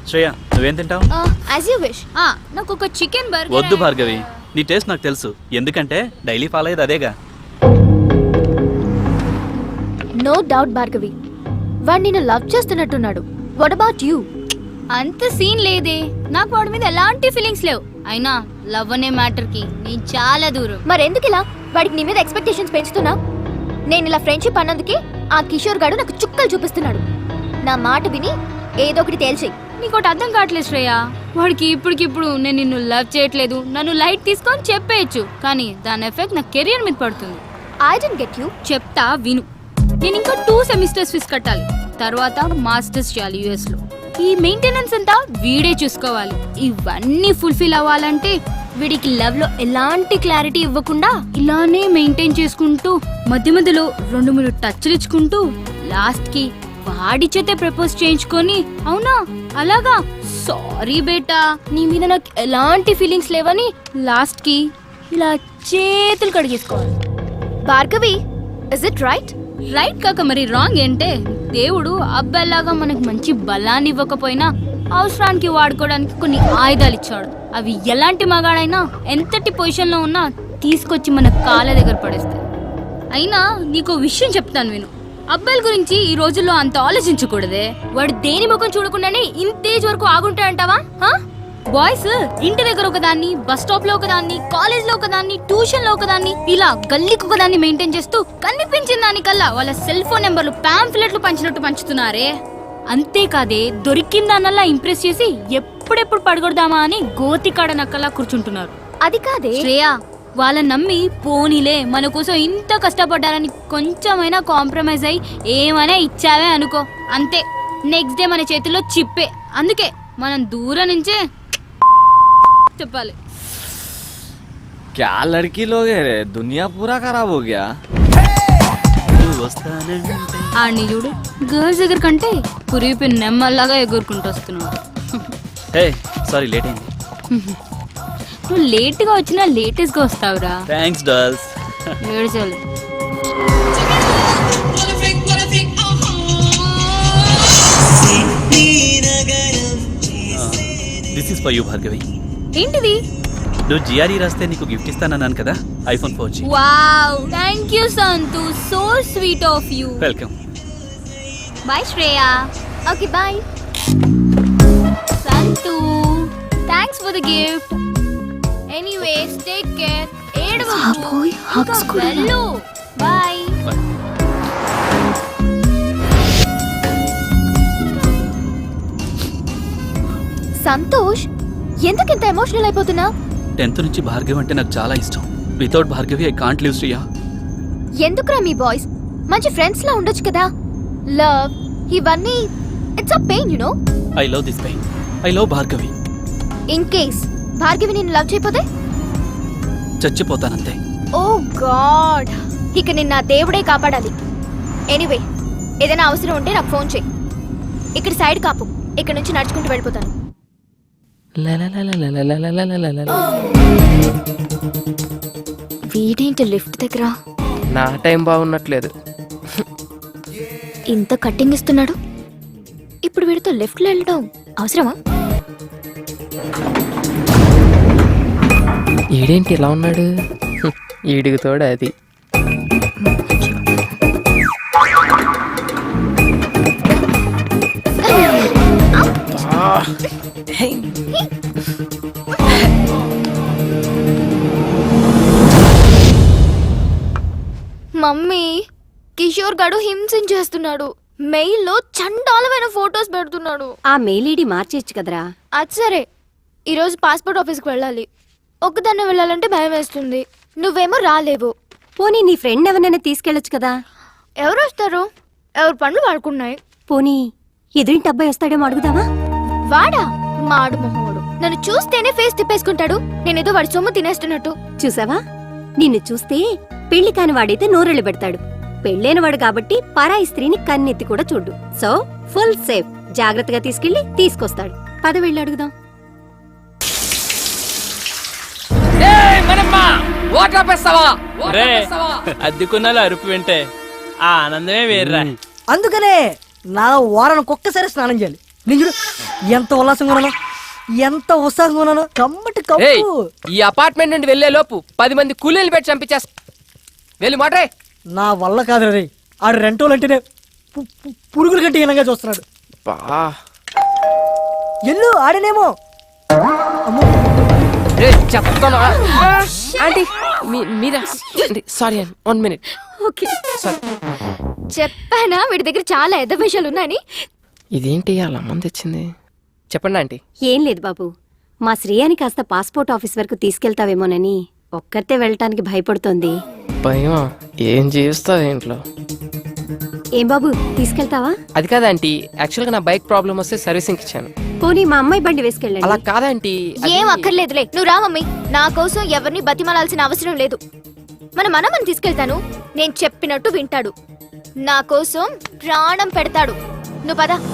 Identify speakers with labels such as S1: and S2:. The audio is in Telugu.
S1: శ్రేయ నువ్వేం తింటావు?
S2: As you wish. నాకు ఒక చికెన్ బర్గర్.
S1: వద్దు భార్గవి, నీ టేస్ట్ నాకు తెలుసు, ఎందుకంటే డైలీ ఫాలో అయ్యేది అదేగా.
S2: నో డౌట్ భార్గవి, వాడు నిన్ను లవ్ చేస్తున్నట్టున్నాడు. What about you? అంత సీన్ లేదే, నాకు వాడి మీద ఎలాంటి ఫీలింగ్స్ లేవు. అయినా లవ్ అనే మ్యాటర్ కి నేను చాలా దూరం. మరెందుకు ఇలా వాడికి నీ మీద ఎక్స్పెక్టేషన్స్ పెంచుతున్నా? నేను ఇలా ఫ్రెండ్షిప్ అన్నందుకే ఆ కిషోర్ గాడు నాకు చుక్కలు చూపిస్తున్నాడు. నా మాట విని ఏదో ఒకటి తేల్చేయి. నీకోటి అర్థం కావట్లేదు శ్రేయ, వాడికి ఇప్పటికిప్పుడు నేను నిన్ను లవ్ చేయట్లేదు, నన్ను లైట్ తీసుకొని చెప్పేయచ్చు, కానీ దాని ఎఫెక్ట్ నా కెరియర్ మీద పడుతుంది. I don't get you. చెప్తా విను. నేను ఇంకా 2 సెమిస్టర్స్ ఫీజు కట్టాలి, తర్వాత మాస్టర్స్ చేయాలి US లో. ఈ మెయింటెనెన్స్ అంతా వీడే చూసుకోవాలి. ఇవన్నీ ఫుల్ఫిల్ అవ్వాలంటే వీడికి లవ్ లో ఎలాంటి క్లారిటీ ఇవ్వకుండా ఇలానే మెయింటైన్ చేసుకుంటూ మధ్య మధ్యలో 2-3 టచ్లు ఇచ్చుకుంటూ లాస్ట్ కి వాడి చేతే ప్రపోజ్ చేయించుకొని, అవునా అలాగా సారీ బేటా నీ మీద నాకు ఎలాంటి ఫీలింగ్స్ లేవని లాస్ట్ కి ఇలా చేతులు కడిగేసుకోవాలి. Bhargavi, is it right? Right కాక మరి రాంగ్ ఏంటే? దేవుడు అబ్బాయిలాగా మనకు మంచి బలాన్ని ఇవ్వకపోయినా అవసరానికి వాడుకోవడానికి కొన్ని ఆయుధాలు ఇచ్చాడు. అవి ఎలాంటి మగాడైనా ఎంతటి పొజిషన్ లో ఉన్నా తీసుకొచ్చి మన కాళ్ళ దగ్గర పడేస్తాయి. అయినా నీకో విషయం చెప్తాను విను. అబ్బాయిల గురించి ఈ రోజుల్లో అంత ఆలోచించకూడదే. వాడు దేని ముఖం చూడకుండానే ఇంతేజ్ వరకు ఆగుంటాడంటావా? బాయ్స్ ఇంటి దగ్గర ఒకదాన్ని, బస్ స్టాప్ లో ఒకదాన్ని, కాలేజ్ లో ఒకదాన్ని, ట్యూషన్ లో ఒకదాన్ని, ఇలా గల్లీకి ఒకదాన్ని మెయింటైన్ చేస్తూ కనిపించిన దానికల్లా వాళ్ళ సెల్ ఫోన్ నెంబర్లు పాంఫ్లెట్లు పంచినట్టు పంచుతున్నారే. అంతేకాదే దొరికిందానల్లా ఇంప్రెస్ చేసి ఎప్పుడెప్పుడు పడగొడదామా అని గోతికాడ నక్కలా కూర్చుంటున్నారు. అది కాదే శ్రేయ, వాళ్ళని నమ్మి పోనీలే మన కోసం ఇంత కష్టపడ్డారని కొంచెమైనా కాంప్రమైజ్ అయ్యి ఏమైనా ఇచ్చావే అనుకో, అంతే నెక్స్ట్ డే మన చేతిలో చిప్పే. అందుకే మనం దూరం నుంచే చెప్పాలి.
S3: क्या लड़की लोग है रे, दुनिया पूरा खराब हो गया.
S2: ఆడిని చూడు, గర్ల్స్ దగ్గర కంటే పురిపి నెమ్మల్లాగా ఎగురుకుంటూ వస్తున్నాడు.
S1: హే సారీ లేట్ అయింది.
S2: నువ్వు లేట్ గా వచ్చినా లేటెస్ట్ గా వస్తావురా.
S1: Thanks dolls.
S2: ఏడ్చాలి.
S1: This is for you Bhargavi.
S2: ఏంటిది?
S1: నువ్వు GRE రాస్తే నీకు గిఫ్ట్ ఇస్తానన్నాను కదా, iPhone 4G.
S2: Wow, thank you Santhu, so sweet of you.
S1: Welcome.
S2: Bye Shreya. Okay bye Santhu, thanks for the gift. Anyways take care. ఏడవకు. హగ్స్ కూడా. బై. సంతోష్, ఎందుకు ఇంత ఎమోషనల్ అయిపోతున్నా?
S1: 10th నుంచి భార్గవి అంటే నాకు చాలా ఇష్టం. Without Bhargavi I can't live Shriya.
S2: ఎందుకురా మీ బాయ్స్ మంచి ఫ్రెండ్స్ లా ఉండొచ్చు కదా. లవ్ ఇవన్నీ it's a pain you know.
S1: I love this pain. I love Bhargavi.
S2: In case Bhargavi నిన్ను లవ్ చేయకపోతే
S1: చచ్చిపోతానంతే.
S2: ఓ గాడ్, ఇక నిన్న దేవుడే కాపాడాలి. ఎనీవే, ఏదైనా అవసరం ఉంటే నాకు ఫోన్ చేయి. ఇక్కడ సైడ్ కాపు, ఇక్కడ నుంచి నడుచుకుంటూ వెళ్ళిపోతాను. వీడేంటి లిఫ్ట్ దగ్గర?
S4: నా టైం బాగున్నట్లేదు.
S2: ఇంత కట్టింగ్ ఇస్తున్నాడు, ఇప్పుడు వీడితో లెఫ్ట్ లో వెళ్ళడం అవసరమా?
S4: ఈడేంటి ఇలా ఉన్నాడు? ఈడికి తోడు అది.
S2: మమ్మీ, కిషోర్ గడు హింసించేస్తున్నాడు. మెయిల్ లో చండాలమైన ఫోటోస్ పెడుతున్నాడు.
S5: ఆ మెయిల్ ఐడి మార్చేయచ్చు కదరా.
S2: అది సరే, ఈరోజు పాస్పోర్ట్ ఆఫీస్కి వెళ్ళాలి. ఒక్కదాన్నే వెళ్ళాలంటే భయం వేస్తుంది. నువ్వేమో రాలేవు.
S5: పోనీ నీ ఫ్రెండ్ ఎవరినైనా తీసుకెళ్ళొచ్చు కదా.
S2: ఎవరు వస్తారు? ఎవరు పనులు వాడుకున్నాయి.
S5: పోనీ ఎదురింటి అబ్బాయి వస్తాడేమో అడుగుదామా?
S2: వాడా? మాడు మొహోడు. నన్ను చూస్తేనే ఫేస్ తిప్పేసుకుంటాడు. నేనేదో వాడి సొమ్ము తినేస్తున్నట్టు.
S5: చూసావా, నిన్ను చూస్తే పెళ్లి కాని వాడైతే నోరెళ్ళు పెడతాడు. పెళ్ళైన వాడు కాబట్టి పరాయి స్త్రీని కన్నెత్తి కూడా చూడు. So full safe. జాగ్రత్తగా తీసుకెళ్లి తీసుకొస్తాడు. పద వెళ్ళి అడుగుదాం.
S4: అద్దెకున్నాలో అరుపు వింటే ఆ ఆనందమే వేర్రా.
S6: అందుకనే నా వారానికి ఒక్కసారి స్నానం చేయాలి. నేను చూడు ఎంత ఉల్లాసంగా ఉన్నాను, ఎంత ఉత్సాహంగా ఉన్నాను. కమ్మటి
S4: ఏయ్,
S6: కప్పు.
S4: ఈ అపార్ట్మెంట్ నుండి వెళ్లే లోపు 10 మంది కూలీలు పెట్టి చంపించేస్తా. వెళ్ళి మాట్రే.
S6: నా వల్ల కాదు రే, ఆడు రెంటోలు అంటేనే పురుగుల కంటే హీనంగా చూస్తున్నాడు.
S4: బా
S6: ఎల్లు ఆడనేమో. అమ్మో,
S4: రే చెప్తాను. ఆంటీ మీరా? సారీ అండి, 1 minute.
S2: ఓకే చెప్పానా వీడి దగ్గర చాలా ఎద్ద విషయాలు ఉన్నాయని.
S4: ఇదేంటి అలా మంది తెచ్చింది? చెప్పండి ఆంటీ.
S5: ఏం లేదు బాబు, మా శ్రేయాని కాస్త పాస్పోర్ట్ ఆఫీస్ వరకు తీసుకెళ్తావేమోనని ఒక్కరితే వెళ్ళటానికి భయపడుతోంది.
S4: భయమా? ఏం చేస్తావు ఇంట్లో?
S5: ఏం బాబు తీసుకెళ్తావా?
S4: అది కాదా ఆంటీ, యాక్చువల్గా నా బైక్ ప్రాబ్లం వస్తే సర్వీసింగ్ ఇచ్చాను.
S5: పోనీ మా అమ్మాయి బండి
S4: అలా
S5: వేసుకెళ్ళండి.
S4: కాదంటీ.
S2: ఏం అక్కర్లేదులే, నువ్వు రా మమ్మీ. నా కోసం ఎవరిని బతిమాలాల్సిన అవసరం లేదు. మన మనమని తీసుకెళ్తాను, నేను చెప్పినట్టు వింటాడు, నా కోసం ప్రాణం పెడతాడు. నువ్వు పద.